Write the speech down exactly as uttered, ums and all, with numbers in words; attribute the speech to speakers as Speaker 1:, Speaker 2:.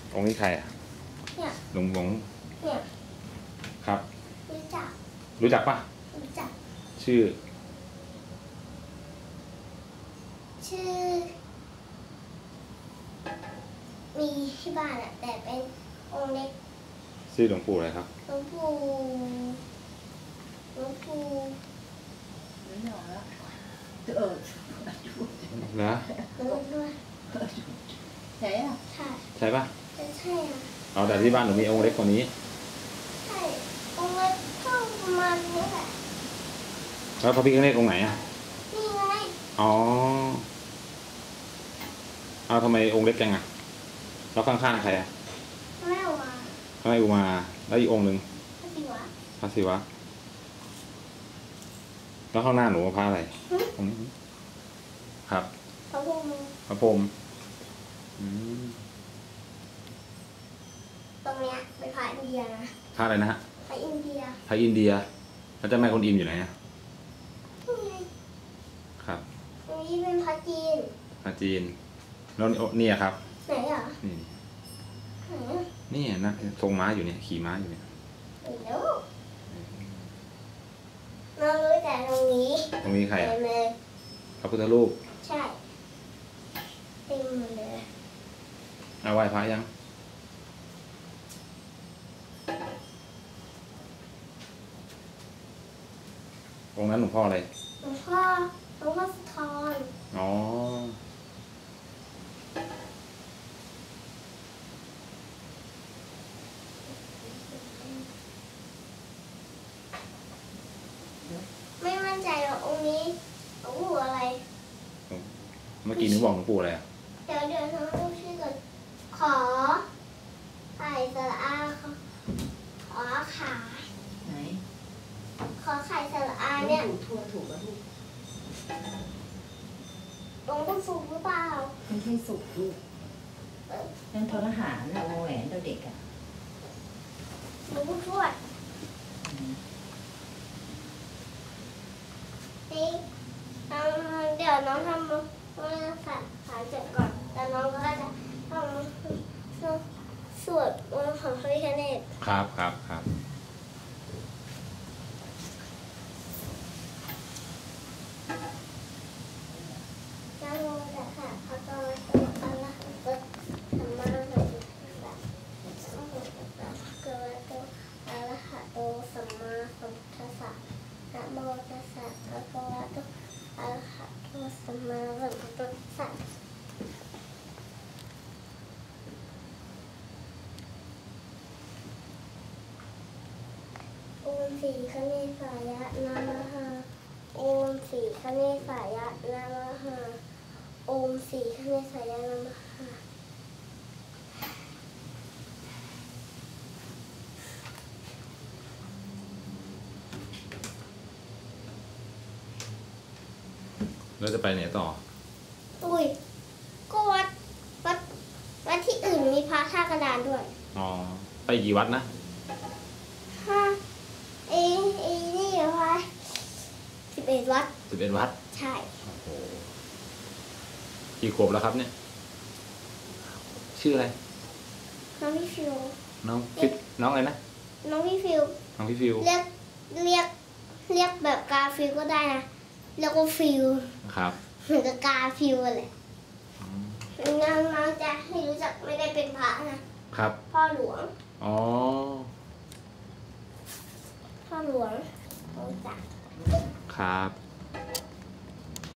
Speaker 1: องค์นี้ใครอ่ะ
Speaker 2: เนี่ย
Speaker 1: หลวงหลวง
Speaker 2: เนี่ย
Speaker 1: ครับ
Speaker 2: รู้จัก
Speaker 1: รู้จักปะ
Speaker 2: รู้จัก
Speaker 1: ชื่อ
Speaker 2: ชื่อมีที่บ้านอะแต่เป็นองค์เล็ก
Speaker 1: ชื่อหลวงปู่อะไรครับ
Speaker 2: หลวงปู่หลวงปู่
Speaker 3: ไม่หนอแล้วเออ
Speaker 1: นะ
Speaker 2: หลวงด้วย
Speaker 3: ใช่อ่ะ
Speaker 2: ใช่
Speaker 1: ใช่ปะ
Speaker 2: ใช่อ่ะ
Speaker 1: เอาแต่ที่บ้านหนูมีองค์เล็กกว่านี้
Speaker 2: ใช่องค์เล็กก็ประมาณนี้แหละ
Speaker 1: แล้วพระพิฆเนศองค์ไหนอ่ะ
Speaker 2: นี่ไง
Speaker 1: อ๋อเอาทำไมองค์เล็กจังอ่ะแล้วข้างๆใครอ่ะ
Speaker 2: แม่วา
Speaker 1: ข้างในอุมาแล้วอีกองค์หนึ่ง
Speaker 2: พระศิวะ
Speaker 1: พระศิวะแล้วข้างหน้าหนูพระอะไรองค์นี้ครับ
Speaker 2: พระพรหม
Speaker 1: พระพรหม
Speaker 2: ตรงเนี้ยเป็นพระอินเดียนะ
Speaker 1: พระอะไรนะฮะ
Speaker 2: พระอินเดีย
Speaker 1: พระอินเดียแล้วเจ้าแม่คนอิมอยู่ไหนอ่ะ
Speaker 2: นี่ไง
Speaker 1: ครับ
Speaker 2: ตรงนี้เป็นพระจีน
Speaker 1: พระจีนแล้วนี่ครับ
Speaker 2: ไหนอ่ะ
Speaker 1: นี่
Speaker 2: ไหนอ่ะ
Speaker 1: นี่นะทรงม้าอยู่เนี่ยขี่ม้าอยู่เนี่ย
Speaker 2: เดี๋ยวเรารู้แต่ตรงนี้
Speaker 1: ตรงนี้ใครอ่ะ
Speaker 2: เลย
Speaker 1: พระพุทธรูป
Speaker 2: ใช่เต็มหมดเลย
Speaker 1: เอาไหว้พระยังองค์นั้นหลวงพ่ออะไร
Speaker 2: หลวงพ่อหลวงพ่อสุธร
Speaker 1: อ๋อ
Speaker 2: ไม่มั่นใจว่าองค์นี้หลวงปู่อะไร
Speaker 1: เมื่อกี้นึกบอกหลวงปู่อะไรอ่ะ
Speaker 2: เดี๋ยวเดี๋ยวน้องดูชื่อก่อนขอไข่สระอาขอขา
Speaker 3: ไหน
Speaker 2: ขอไข่สระอาเนี่ย
Speaker 3: ถูกถูกแล้วถูก
Speaker 2: หลวงปู่สุขหรือเปล่า
Speaker 3: ไม่ใช่สุกลูกนั่นทอทหารนะวงแหวนเราเด็กอ่ะ
Speaker 2: หลวงปู่ทวดนี่เดี๋ยวน้องทำมาสัตว์ขาเจ็บก่อนแล้วน้องก็จะทำสวดมนต์ของพระพิฆเนศ
Speaker 1: ครับครับครับ
Speaker 2: นะโมตัสสะภะคะวะโตอะระหะโตสัมมาสัมพุทธัสสะนะโมตัสสะภะคะวะโตอะระหะโตสัมมาสัมพุทธัสสะนะโมตัสสะภะคะวะโตอะระหะโตสัมมาสัมพุทธัสสะโอมสีคเนสายะนะมะหาโอมสีคเนสายะนะมะหาโอมสีคเนสายะนะมะหา
Speaker 1: แล้วจะไปไหนต่อ
Speaker 2: อุ้ยก็วัดวัดวัดที่อื่นมีพระท่ากระดานด้วย
Speaker 1: อ๋อไปกี่วัดนะ
Speaker 2: ห้าเอเอนี่เหรอคะสิบเอ็ดวัด
Speaker 1: สิบเอ็ดวัด
Speaker 2: ใช่
Speaker 1: โอ้โหกี่ขวบแล้วครับเนี่ยชื่ออะไร
Speaker 2: น้องพี่ฟิว
Speaker 1: น้องฟิวน้องอะไรนะ
Speaker 2: น้องพี่ฟิว
Speaker 1: น้องพี่ฟิว
Speaker 2: เรียกเรียกเรียกแบบกาฟิวก็ได้นะเรียกว่าฟิว
Speaker 1: ครับ
Speaker 2: เหมือนกับกาฟิวเลยน้องน้องจะให้รู้จักไม่ได้เป็นพระนะครับพ่อหลวง
Speaker 1: อ๋อ
Speaker 2: พ่อหลวงรู้จัก
Speaker 1: ครับ